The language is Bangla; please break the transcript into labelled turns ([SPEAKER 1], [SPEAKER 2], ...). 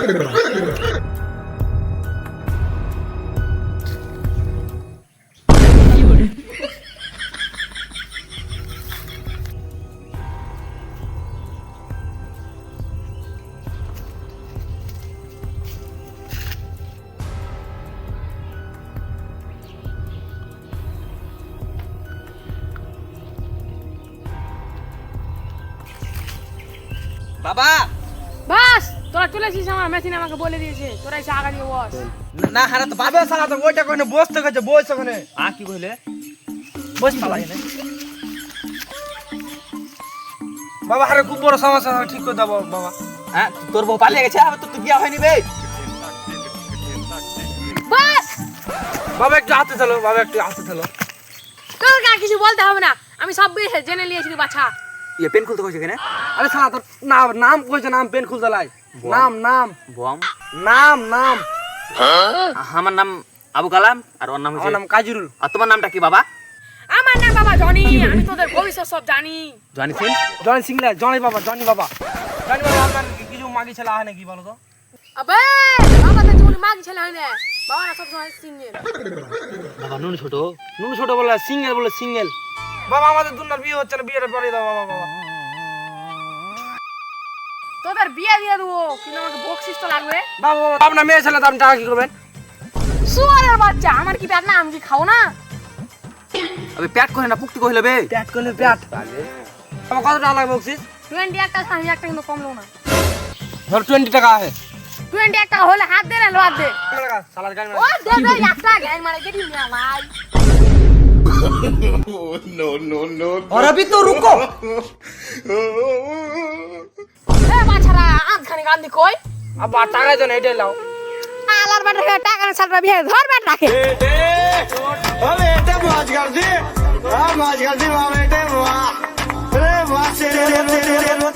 [SPEAKER 1] বাবা
[SPEAKER 2] বাস তোরা চলে এসেছিস, আমার মেশিন আমাকে বলে দিয়েছে তোরা এসে আগা দিয়ে বস।
[SPEAKER 1] না হারা তো
[SPEAKER 3] বাবে সালা তো ওইটা কইনে বসতে গেছে বইছ ওখানে
[SPEAKER 1] কি কইলে
[SPEAKER 3] বস পালা এনে বাবা আরে খুব বড় সমস্যা ঠিক করে দাও বাবা।
[SPEAKER 1] হ্যাঁ তোর বউ পালিয়ে গেছে, আবার তোর তো বিয়া হয়নি বে।
[SPEAKER 2] বাস
[SPEAKER 3] বাবা একটু হাতে চলো, বাবা একটু হাতে চলো।
[SPEAKER 2] তোর আর কিছু বলতে হবে না, আমি সব জেনে নিয়েছি বাছা।
[SPEAKER 1] ইয়ে পেন খুলতে কইছে কেন?
[SPEAKER 3] আরে সালা তোর নাম কইছে, নাম পেন খুলতে লাই। নাম
[SPEAKER 1] বম
[SPEAKER 3] নাম
[SPEAKER 1] আমার নাম আবু কালাম আর ওর নাম
[SPEAKER 3] আমার
[SPEAKER 1] হচ্ছে
[SPEAKER 3] নাম কাজিরুল।
[SPEAKER 1] আর তোমার নামটা কি বাবা?
[SPEAKER 2] আমার নাম বাবা জনি, আমি তোদের ভবিষ্যৎ সব জানি।
[SPEAKER 1] জানি সিং।
[SPEAKER 3] জনি সিংলা জনি বাবা আপনার কিছু মাগি ছেলে হয় নাকি বলো তো?
[SPEAKER 2] আবে বাবা তো জীবনে মাগি ছেলে হয় না, বাবা না সব সময় সিঙ্গেল।
[SPEAKER 1] বাবা নুন ছোট
[SPEAKER 3] বলে সিঙ্গেল। বাবা আমাদের দুনার বিয়ে হচ্ছে না, বিয়েটা পরে দাও বাবা।
[SPEAKER 2] তোদের বিয়ে দিয়ে দেবো, কিন্তু আমাকে বকশিস তো লাগবে।
[SPEAKER 3] বাবা আপনার মেয়ে ছেলে তো আপনি টাকা কি করবেন?
[SPEAKER 2] সুয়ারের বাচ্চা, আমার কি পেট না, আমি কি খাও না?
[SPEAKER 1] আবে পেট কইলে না পুক্তি কইলে বে।
[SPEAKER 3] প্যাট করলে প্যাট বাবা কত টাকা লাগবে বকশিস?
[SPEAKER 2] 20 একটা আমি একটা কিন্তু কমলো না।
[SPEAKER 3] ধর 20 টাকা আছে।
[SPEAKER 2] 20 একটা হলে হাত দে না লো হাত দে।
[SPEAKER 3] সালার গান
[SPEAKER 2] ও দে দে একটা গান মারে কেটে নিয়া ভাই।
[SPEAKER 3] और अभी तो रुको।
[SPEAKER 2] এ বাছারা আধখানি গান দি কই?
[SPEAKER 3] अब टाका तो नहीं दे लाओ।
[SPEAKER 2] আলার বাটা টাকা না সালরা বিয়ে ধর বাট রাখে।
[SPEAKER 4] ओ बेटे मौज कर दी, मौज कर दी वाह बेटे वाह, अरे वाह